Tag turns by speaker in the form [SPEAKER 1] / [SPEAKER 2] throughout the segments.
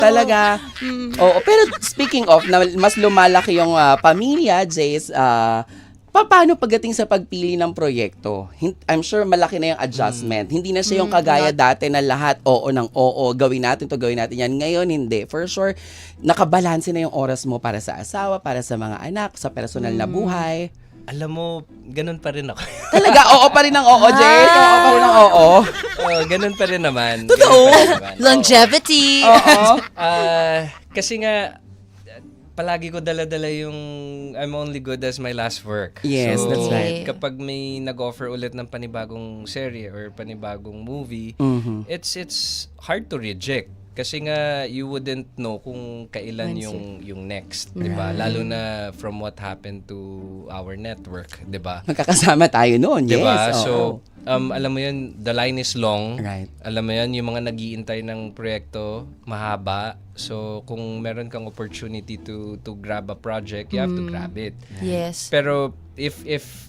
[SPEAKER 1] Talaga. Oo, pero speaking of, na mas lumalaki yung pamilya, Jace, paano pagdating sa pagpili ng proyekto? I'm sure malaki na yung adjustment. Hindi na siya yung kagaya dati na lahat oo ng oo, gawin natin to, gawin natin yan. Ngayon, hindi. For sure, nakabalanse na yung oras mo para sa asawa, para sa mga anak, sa personal na buhay.
[SPEAKER 2] Alam mo, ganun pa rin ako.
[SPEAKER 1] Talaga, oo pa rin ang oo, Jace. Oo pa rin ang oo.
[SPEAKER 2] Ganun pa rin naman.
[SPEAKER 1] Totoo.
[SPEAKER 2] Ganun pa rin naman.
[SPEAKER 3] Longevity.
[SPEAKER 1] Oo.
[SPEAKER 2] Kasi nga, palagi ko dala-dala yung I'm only good as my last work.
[SPEAKER 1] Yes,
[SPEAKER 2] so,
[SPEAKER 1] that's right.
[SPEAKER 2] Kapag may nag-offer ulit ng panibagong serye or panibagong movie, it's hard to reject. Kasi nga, you wouldn't know kung kailan yung next, di ba? Lalo na from what happened to our network, di ba?
[SPEAKER 1] Magkakasama tayo noon, yes.
[SPEAKER 2] Diba?
[SPEAKER 1] Oo.
[SPEAKER 2] So, alam mo yun, the line is long.
[SPEAKER 1] Right.
[SPEAKER 2] Alam mo yun, yung mga nag-iintay ng proyekto, mahaba. So, kung meron kang opportunity to grab a project, you have to grab it.
[SPEAKER 3] Yes.
[SPEAKER 2] Pero if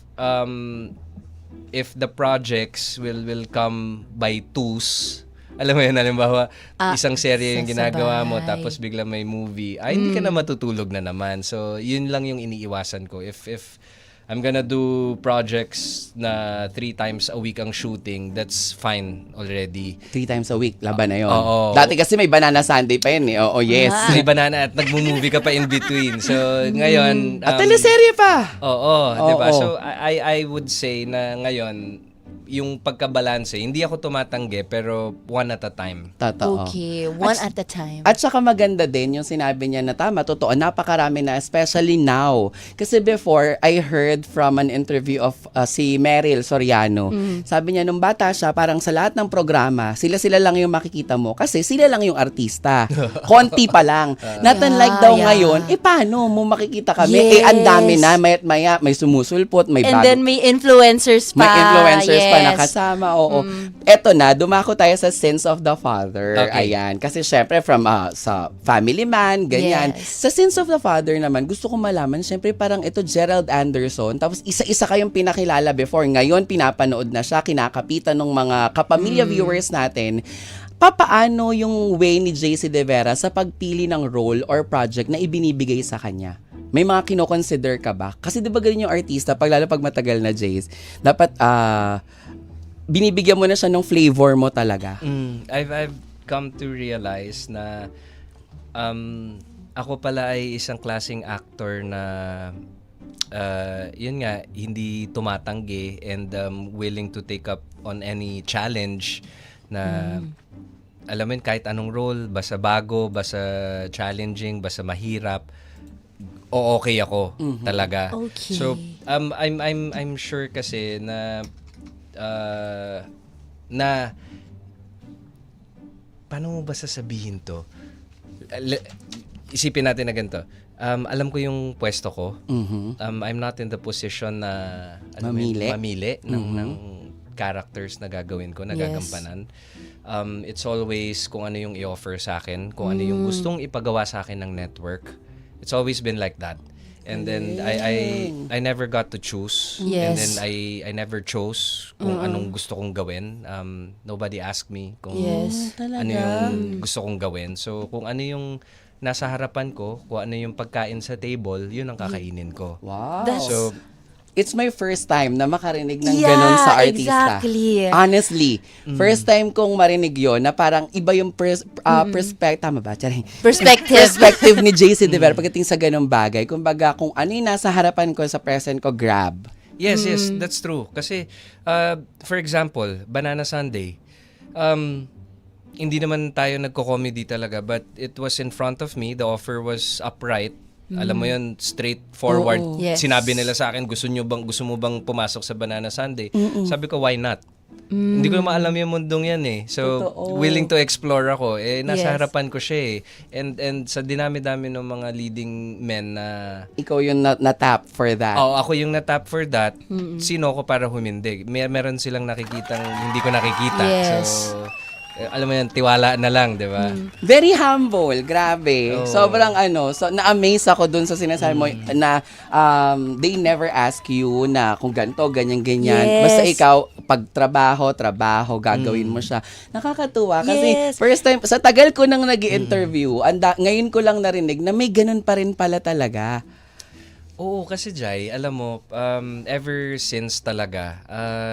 [SPEAKER 2] the projects will come by twos, alam mo yun, halimbawa, isang serye yung ginagawa mo,
[SPEAKER 3] sasabay.
[SPEAKER 2] tapos bigla may movie, hindi ka na matutulog na naman. So, yun lang yung iniiwasan ko. If I'm gonna do projects na 3 times a week ang shooting, that's fine already.
[SPEAKER 1] 3 times a week, laban na yun.
[SPEAKER 2] Oo.
[SPEAKER 1] Dati kasi may Banana Sunday pa yun eh. Oo, yes.
[SPEAKER 2] May banana at nagmo-movie ka pa in between. So, ngayon...
[SPEAKER 1] At teleserye pa.
[SPEAKER 2] Oo, di ba?
[SPEAKER 1] Oo.
[SPEAKER 2] So, I would say na ngayon, yung pagkabalanse, hindi ako tumatanggi, pero one at a time.
[SPEAKER 1] Totoo.
[SPEAKER 3] Okay, one at a time.
[SPEAKER 1] At saka maganda din yung sinabi niya na tama, totoo, napakarami na, especially now. Kasi before, I heard from an interview of si Meryl Soriano. Sabi niya, nung bata siya, parang sa lahat ng programa, sila lang yung makikita mo kasi sila lang yung artista. Konti pa lang. Not unlike daw ngayon, paano mo makikita kami?
[SPEAKER 3] Yes.
[SPEAKER 1] Ang dami na, maya't maya, may sumusulpot, may
[SPEAKER 3] And
[SPEAKER 1] bago.
[SPEAKER 3] then may influencers pa.
[SPEAKER 1] May influencers pa
[SPEAKER 3] Yes.
[SPEAKER 1] nakasama, oo. Eto na, dumako tayo sa Sins of the Father.
[SPEAKER 2] Okay.
[SPEAKER 1] Ayan. Kasi syempre from sa Family Man, ganyan.
[SPEAKER 3] Yes.
[SPEAKER 1] Sa Sins of the Father naman, gusto ko malaman, syempre parang ito Gerald Anderson, tapos isa-isa kayong pinakilala before. Ngayon, pinapanood na siya, kinakapitan ng mga kapamilya viewers natin. Papaano yung way ni JC De Vera sa pagpili ng role or project na ibinibigay sa kanya? May mga kino-consider ka ba? Kasi di ba ganyan yung artista, lalo pag matagal na, Jace, dapat binibigyan mo na siya ng flavor mo talaga.
[SPEAKER 2] I've come to realize na ako pala ay isang klaseng actor na yun nga, hindi tumatanggi and willing to take up on any challenge na alam mo yun, kahit anong role, basta bago, basta challenging, basta mahirap, okay ako talaga.
[SPEAKER 3] Okay.
[SPEAKER 2] So I'm sure kasi na paano mo ba sasabihin to? Isipin natin na ganito. Alam ko yung pwesto ko. I'm not in the position na mamili ng characters na gagawin ko, na gagampanan. It's always kung ano yung i-offer sa akin, kung ano yung gustong ipagawa sa akin ng network. It's always been like that. And then I never got to choose.
[SPEAKER 3] Yes.
[SPEAKER 2] And then I never chose kung anong gusto kong gawin. Nobody asked me kung
[SPEAKER 3] Yes.
[SPEAKER 2] ano yung gusto kong gawin. So kung ano yung nasa harapan ko, kung ano yung pagkain sa table, yun ang kakainin ko.
[SPEAKER 1] Wow.
[SPEAKER 2] So
[SPEAKER 1] It's my first time na makarinig ng ganun sa artista.
[SPEAKER 3] Exactly.
[SPEAKER 1] Honestly, first time kong marinig yon na parang iba yung perspective, tama ba? Charing. Perspective ni JC De Vera pagdating sa ganung bagay. Kumbaga, kung ano yung nasa harapan ko sa present ko, grab.
[SPEAKER 2] yes, that's true. Kasi, for example, Banana Sunday, hindi naman tayo nagko-comedy talaga, but it was in front of me. The offer was upright. Alam mo yun, straightforward.
[SPEAKER 1] Oo.
[SPEAKER 3] Yes.
[SPEAKER 2] Sinabi nila sa akin, gusto mo bang pumasok sa Banana Sunday? Sabi ko, why not? Hindi ko naman alam yung mundong yan eh. So,
[SPEAKER 1] Totoo.
[SPEAKER 2] willing to explore ako. Nasa
[SPEAKER 3] Yes.
[SPEAKER 2] harapan ko siya eh. And sa dinami-dami ng mga leading men na
[SPEAKER 1] Ikaw yung na-tap for that.
[SPEAKER 2] ako yung na-tap for that. Sino ko para humindig? Meron silang nakikitang hindi ko nakikita.
[SPEAKER 3] Yes.
[SPEAKER 2] So, alam mo yan, tiwala na lang, di ba?
[SPEAKER 1] Very humble, grabe.
[SPEAKER 2] Oo.
[SPEAKER 1] Sobrang so na-amaze ako dun sa sinasabi mo na they never ask you na kung ganito, ganyan.
[SPEAKER 3] Yes.
[SPEAKER 1] Basta ikaw, pag trabaho, gagawin mo siya. Nakakatuwa kasi
[SPEAKER 3] Yes.
[SPEAKER 1] first time, sa tagal ko nang nag-i-interview, ngayon ko lang narinig na may ganun pa rin pala talaga.
[SPEAKER 2] Oo, kasi Jai, alam mo, ever since talaga,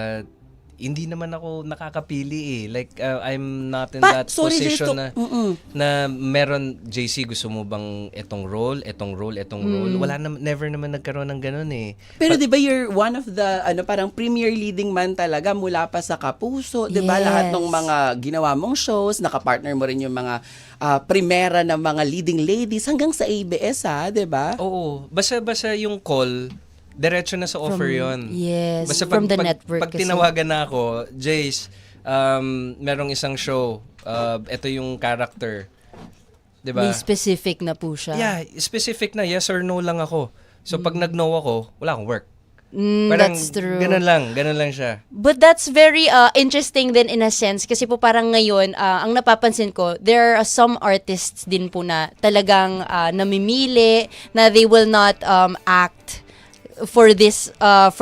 [SPEAKER 2] hindi naman ako nakakapili eh. Like, I'm not in that position na meron, JC, gusto mo bang etong role? Wala never naman nagkaroon ng ganun eh.
[SPEAKER 1] Pero 'di ba you're one of the parang premier leading man talaga mula pa sa Kapuso, 'di ba?
[SPEAKER 3] Yes.
[SPEAKER 1] Lahat ng mga ginawa mong shows, nakapartner mo rin yung mga primera ng mga leading ladies hanggang sa ABS 'di ba?
[SPEAKER 2] Oo, basta yung call, diretso na sa offer yon.
[SPEAKER 3] Yes,
[SPEAKER 2] Basta
[SPEAKER 3] from the network
[SPEAKER 2] Pag
[SPEAKER 3] kasi.
[SPEAKER 2] tinawagan na ako, Jace, merong isang show, ito yung character. Diba?
[SPEAKER 3] May specific na po siya.
[SPEAKER 2] Yeah, specific na, yes or no lang ako. So pag nag-no ako, wala akong work.
[SPEAKER 3] That's true.
[SPEAKER 2] Ganun lang siya.
[SPEAKER 3] But that's very interesting din in a sense kasi po parang ngayon, ang napapansin ko, there are some artists din po na talagang namimili na they will not act for this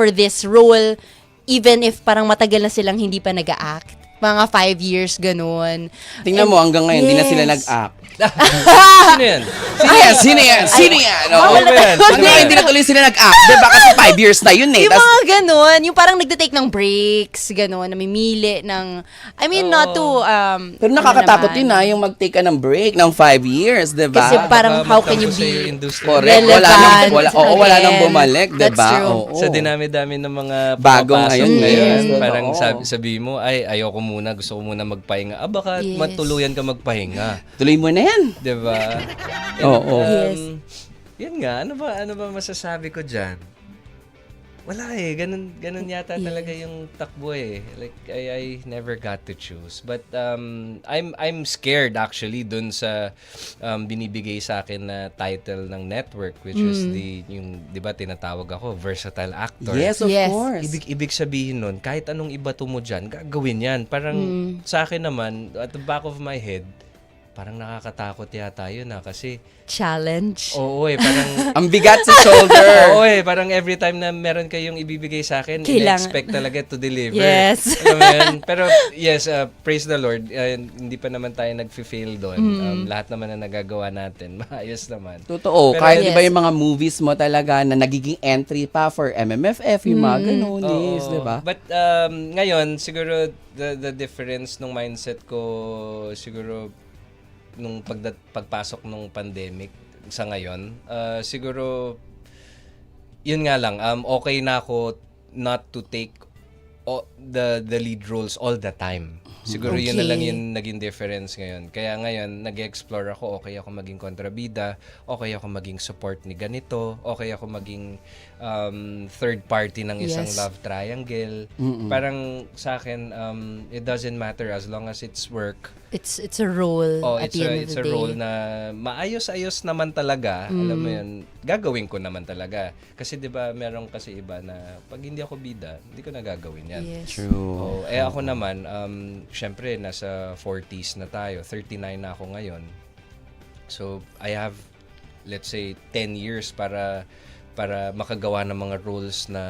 [SPEAKER 3] role even if parang matagal na silang hindi pa nag-act. Mga 5 years, ganun.
[SPEAKER 1] Tingnan mo hanggang ngayon hindi na sila
[SPEAKER 3] Yes.
[SPEAKER 1] nag-act.
[SPEAKER 2] Sino yan?
[SPEAKER 1] Sino yan?
[SPEAKER 2] Ano ba yan?
[SPEAKER 1] Hanggang ngayon hindi na tuloy sila nag-act. 'Di ba? Kasi 5 years na yun eh.
[SPEAKER 3] Yung mga ganun, yung parang nagde-take ng breaks, ganun, namimili ng, I mean, not to,
[SPEAKER 1] Pero nakakatakot yun yung mag-take ka ng break ng 5 years, 'di ba?
[SPEAKER 3] Kasi parang
[SPEAKER 2] Baka
[SPEAKER 3] how can you
[SPEAKER 2] magtampo sa'yo
[SPEAKER 3] be
[SPEAKER 2] industry.
[SPEAKER 1] Correct.
[SPEAKER 3] relevant
[SPEAKER 1] Wala nang
[SPEAKER 3] again.
[SPEAKER 1] bumalik, 'di
[SPEAKER 3] That's
[SPEAKER 1] ba?
[SPEAKER 3] true.
[SPEAKER 1] Oo.
[SPEAKER 2] Sa dinami-dami ng mga
[SPEAKER 1] Bago
[SPEAKER 2] pumapasok
[SPEAKER 1] ngayon,
[SPEAKER 2] ngayon,
[SPEAKER 1] yes.
[SPEAKER 2] parang
[SPEAKER 1] Totoo.
[SPEAKER 2] sabi mo, ayoko muna, gusto ko muna magpahinga. Baka
[SPEAKER 3] Yes.
[SPEAKER 2] matuluyan ka magpahinga.
[SPEAKER 1] Tuloy mo na yan.
[SPEAKER 2] 'Di ba?
[SPEAKER 1] Oo.
[SPEAKER 3] Yes.
[SPEAKER 2] Yan nga, ano ba masasabi ko diyan? Wala eh, ganun yata talaga yung takbo eh. Like I never got to choose. But I'm scared actually dun sa binibigay sa akin na title ng network, which is yung 'di ba tinatawag ako versatile actor.
[SPEAKER 1] Yes, of
[SPEAKER 3] Yes.
[SPEAKER 1] course.
[SPEAKER 2] Ibig sabihin nun, kahit anong ibato mo dyan, gagawin yan. Parang sa akin naman, at the back of my head, parang nakakatakot yata yun kasi,
[SPEAKER 3] Challenge.
[SPEAKER 2] oo eh, parang,
[SPEAKER 1] Ang bigat sa shoulder.
[SPEAKER 2] oo eh, parang every time na meron kayong ibibigay sa akin, expect talaga to deliver.
[SPEAKER 3] Yes.
[SPEAKER 2] Alam mo yun? Pero yes, praise the Lord, hindi pa naman tayo nag-fail doon. Lahat naman na nagagawa natin, maayos naman.
[SPEAKER 1] Totoo.
[SPEAKER 2] Pero-
[SPEAKER 1] Kahit di ba
[SPEAKER 3] Yes.
[SPEAKER 1] yung mga movies mo talaga na nagiging entry pa for MMFF, yung mga ganun is,
[SPEAKER 2] Oo.
[SPEAKER 1] di ba?
[SPEAKER 2] But ngayon, siguro the difference nung mindset ko, siguro nung pagpasok nung pandemic sa ngayon, siguro yun nga lang, okay na ako not to take the lead roles all the time. Siguro yun na lang
[SPEAKER 3] Okay.
[SPEAKER 2] yung naging difference ngayon. Kaya ngayon, nag-explore ako, okay ako maging kontrabida, okay ako maging support ni ganito, okay ako maging third party ng isang
[SPEAKER 3] Yes.
[SPEAKER 2] love triangle. Parang sa akin, it doesn't matter as long as it's work.
[SPEAKER 3] It's a role
[SPEAKER 2] Oh,
[SPEAKER 3] at
[SPEAKER 2] it's
[SPEAKER 3] the end
[SPEAKER 2] it's
[SPEAKER 3] of
[SPEAKER 2] a
[SPEAKER 3] the day.
[SPEAKER 2] role na maayos-ayos naman talaga. Alam mo yun, gagawin ko naman talaga. Kasi 'di ba, meron kasi iba na pag hindi ako bida, hindi ko na gagawin 'yan.
[SPEAKER 3] Yes.
[SPEAKER 1] True.
[SPEAKER 2] Oh, ako naman, syempre nasa 40s na tayo, 39 na ako ngayon. So, I have let's say 10 years para makagawa ng mga roles na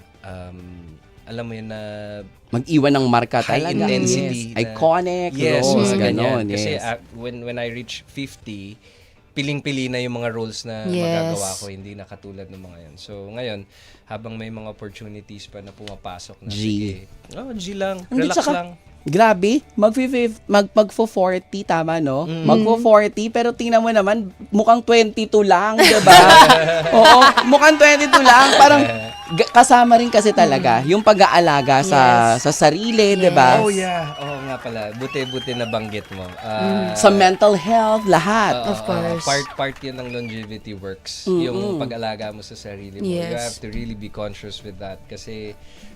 [SPEAKER 2] alam mo yun na
[SPEAKER 1] Mag-iwan ng marka
[SPEAKER 2] high
[SPEAKER 1] talaga.
[SPEAKER 2] intensity.
[SPEAKER 1] Yes. Iconic roles, ganon.
[SPEAKER 2] Kasi
[SPEAKER 1] Yes.
[SPEAKER 2] when I reach 50, piling-pili na yung mga roles na
[SPEAKER 3] Yes.
[SPEAKER 2] magagawa ko, hindi na katulad ng mga yan. So ngayon, habang may mga opportunities pa na pumapasok na,
[SPEAKER 1] G.
[SPEAKER 2] sige, G lang,
[SPEAKER 1] Hindi,
[SPEAKER 2] relax
[SPEAKER 1] tsaka,
[SPEAKER 2] lang.
[SPEAKER 1] Grabe, magfo-40, tama no? Magfo-40, pero tingnan mo naman, mukhang 22 lang, di ba? Oo, mukhang 22 lang. Parang kasama rin kasi talaga yung pag-aalaga sa sarili, di ba?
[SPEAKER 2] Oh yeah, oo nga pala, buti na banggit mo.
[SPEAKER 1] Sa mental health, lahat.
[SPEAKER 3] Of course.
[SPEAKER 2] Part yun ng longevity works. Yung pag-alaga mo sa sarili mo.
[SPEAKER 3] Yes.
[SPEAKER 2] You have to really be conscious with that. Kasi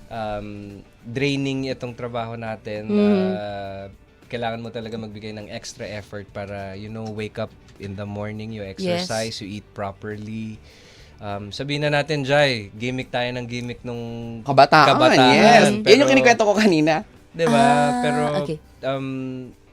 [SPEAKER 2] draining itong trabaho natin. Kailangan mo talaga magbigay ng extra effort para, wake up in the morning, you exercise, you eat properly. Sabihin na natin, Jai, gimmick tayo ng gimmick nung
[SPEAKER 1] Kabataan, yes.
[SPEAKER 2] Pero,
[SPEAKER 1] Yan yung kinikwento ko kanina.
[SPEAKER 2] Diba? Pero,
[SPEAKER 3] okay.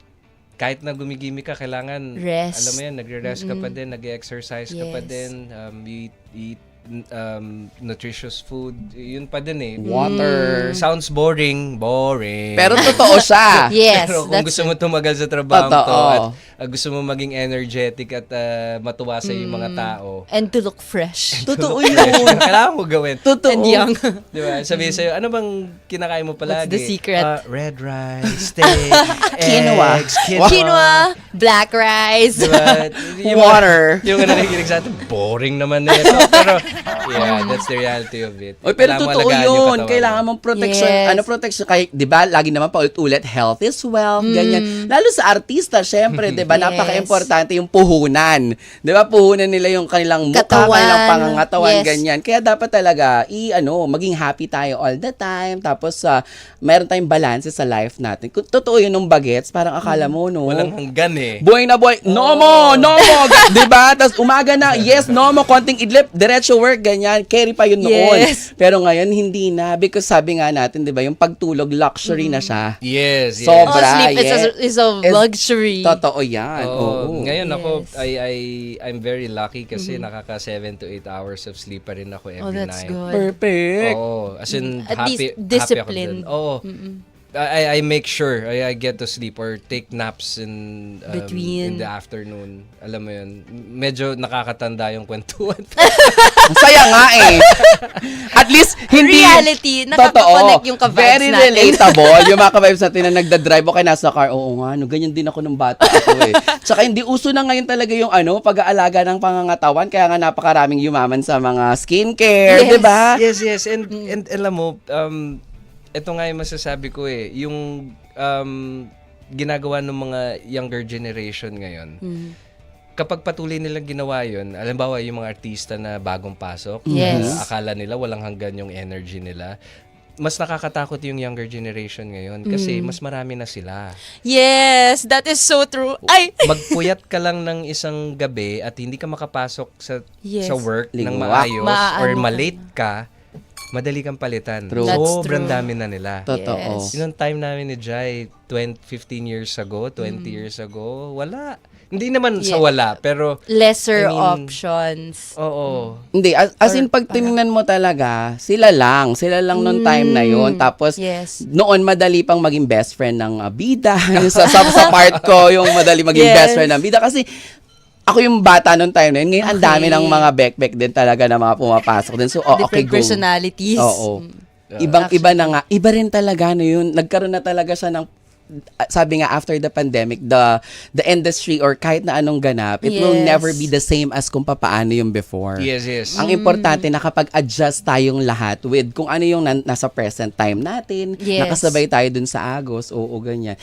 [SPEAKER 2] kahit na gumigimi ka, kailangan,
[SPEAKER 3] Rest.
[SPEAKER 2] alam mo yan, nagre-rest ka pa din, nag-exercise ka pa
[SPEAKER 3] Yes.
[SPEAKER 2] din, you eat nutritious food, yun pa din eh.
[SPEAKER 1] Water.
[SPEAKER 2] Sounds boring.
[SPEAKER 1] Pero totoo siya.
[SPEAKER 3] Yes,
[SPEAKER 2] Pero kung
[SPEAKER 3] that's
[SPEAKER 2] gusto mo tumagal sa trabaho
[SPEAKER 1] Totoo.
[SPEAKER 2] to at gusto mo maging energetic at matuwa sa yung mga tao,
[SPEAKER 3] and to look fresh.
[SPEAKER 1] Totoo
[SPEAKER 2] kailangan mo gawin.
[SPEAKER 1] Totoo.
[SPEAKER 3] And young.
[SPEAKER 2] Di ba? Sabihin sa'yo, ano bang kinakain mo palagi?
[SPEAKER 3] What's the secret?
[SPEAKER 2] Red rice, steak,
[SPEAKER 1] Quinoa.
[SPEAKER 2] eggs,
[SPEAKER 3] Quinoa, black rice.
[SPEAKER 2] Di ba?
[SPEAKER 1] Water.
[SPEAKER 2] Yung nakikinig sa atin, boring naman na ito. Pero, yeah, that's the reality of it.
[SPEAKER 1] Oy, pero
[SPEAKER 2] Kailangan mo
[SPEAKER 1] totoo
[SPEAKER 2] alagaan yung
[SPEAKER 1] yun.
[SPEAKER 2] katawan
[SPEAKER 1] Kailangan
[SPEAKER 2] mo.
[SPEAKER 1] mong protection.
[SPEAKER 3] Yes.
[SPEAKER 1] Ano protection? Kahit, di ba, lagi naman paulit-ulit, health is wealth, ganyan. Lalo sa artista, syempre, di ba,
[SPEAKER 3] Yes.
[SPEAKER 1] napaka-importante yung puhunan. Di ba, puhunan nila yung kanilang mukha,
[SPEAKER 3] Katawan.
[SPEAKER 1] kanilang pangangatawan,
[SPEAKER 3] Yes.
[SPEAKER 1] ganyan. Kaya dapat talaga, maging happy tayo all the time. Tapos, meron tayong balance sa life natin. Totoo yun nung bagets, parang akala mo, no?
[SPEAKER 2] Walang hanggan eh.
[SPEAKER 1] Buhay na buhay. No mo! Di ba? Tapos umaga na, yes, no mo, konting idlip, diretso work, ganyan. Carry pa yun noon.
[SPEAKER 3] Yes.
[SPEAKER 1] Pero ngayon, hindi na. Because sabi nga natin, di ba, yung pagtulog, luxury na siya.
[SPEAKER 2] Yes, yes.
[SPEAKER 1] So,
[SPEAKER 3] Oh, sleep is a
[SPEAKER 1] Is-
[SPEAKER 3] luxury.
[SPEAKER 1] Totoo yan. Oo.
[SPEAKER 2] Ngayon ako,
[SPEAKER 3] Yes.
[SPEAKER 2] I'm very lucky kasi nakaka 7 to 8 hours of sleep pa rin ako every
[SPEAKER 3] Oh, that's
[SPEAKER 2] night.
[SPEAKER 3] good.
[SPEAKER 1] Perfect.
[SPEAKER 2] Oo, as in,
[SPEAKER 3] At
[SPEAKER 2] happy,
[SPEAKER 3] least disciplined.
[SPEAKER 2] happy ako dun. Oo. I make sure I get to sleep or take naps in
[SPEAKER 3] Between.
[SPEAKER 2] the afternoon. Alam mo yun, medyo nakakatanda yung kwentuhan.
[SPEAKER 1] Ang saya nga eh. At least, hindi...
[SPEAKER 3] Reality, nakaka-connect yung ka-vibes
[SPEAKER 1] Very
[SPEAKER 3] natin.
[SPEAKER 1] relatable. Yung mga ka-vibes natin na nagda-drive o kaya nasa car, oo nga, no, ganyan din ako nung bata ako eh. Tsaka hindi uso na ngayon talaga yung pag-aalaga ng pangangatawan, kaya nga napakaraming yumaman sa mga skincare,
[SPEAKER 3] Yes.
[SPEAKER 1] di ba?
[SPEAKER 2] Yes. And alam mo, ito nga yung masasabi ko eh, yung ginagawa ng mga younger generation ngayon, kapag patuloy nilang ginawa yun, alimbawa yung mga artista na bagong pasok,
[SPEAKER 3] Yes.
[SPEAKER 2] akala nila walang hanggan yung energy nila, mas nakakatakot yung younger generation ngayon kasi mas marami na sila.
[SPEAKER 3] Yes, that is so true. Ay!
[SPEAKER 2] Magpuyat ka lang ng isang gabi at hindi ka makapasok
[SPEAKER 3] Yes.
[SPEAKER 2] sa work ng
[SPEAKER 1] Lingwak.
[SPEAKER 2] maayos
[SPEAKER 3] Maano
[SPEAKER 2] or
[SPEAKER 3] ka
[SPEAKER 2] malate ka, madali kang palitan.
[SPEAKER 1] True.
[SPEAKER 3] That's
[SPEAKER 2] Sobrang
[SPEAKER 3] true.
[SPEAKER 2] dami na nila.
[SPEAKER 1] Totoo.
[SPEAKER 3] Yes.
[SPEAKER 2] Yung time namin ni Jai, 15 years ago, 20 years ago, wala. Hindi naman sa
[SPEAKER 3] Yeah.
[SPEAKER 2] wala, pero
[SPEAKER 3] Lesser
[SPEAKER 2] I mean,
[SPEAKER 3] options.
[SPEAKER 2] oo.
[SPEAKER 1] Hindi, as in pag tinignan mo talaga, sila lang nung time na yon. Tapos,
[SPEAKER 3] Yes.
[SPEAKER 1] noon madali pang maging best friend ng bida. Yung sa part ko, yung madali maging
[SPEAKER 3] Yes.
[SPEAKER 1] best friend ng bida. Kasi, ako yung bata nung time na yun. Ngayon, ang
[SPEAKER 3] Okay.
[SPEAKER 1] dami ng mga backpack din talaga na mga pumapasok din. So, okay,
[SPEAKER 3] Different
[SPEAKER 1] go.
[SPEAKER 3] personalities.
[SPEAKER 1] Oo. Ibang-iba na nga. Iba rin talaga na yun. Nagkaroon na talaga siya ng sabi nga after the pandemic, the industry or kahit na anong ganap, it will
[SPEAKER 3] Yes.
[SPEAKER 1] never be the same as kung papaano yung before.
[SPEAKER 2] Yes.
[SPEAKER 1] Ang importante nakapag-adjust tayong lahat with kung ano yung nasa present time natin,
[SPEAKER 3] Yes.
[SPEAKER 1] nakasabay tayo dun sa agos, oo, ganyan.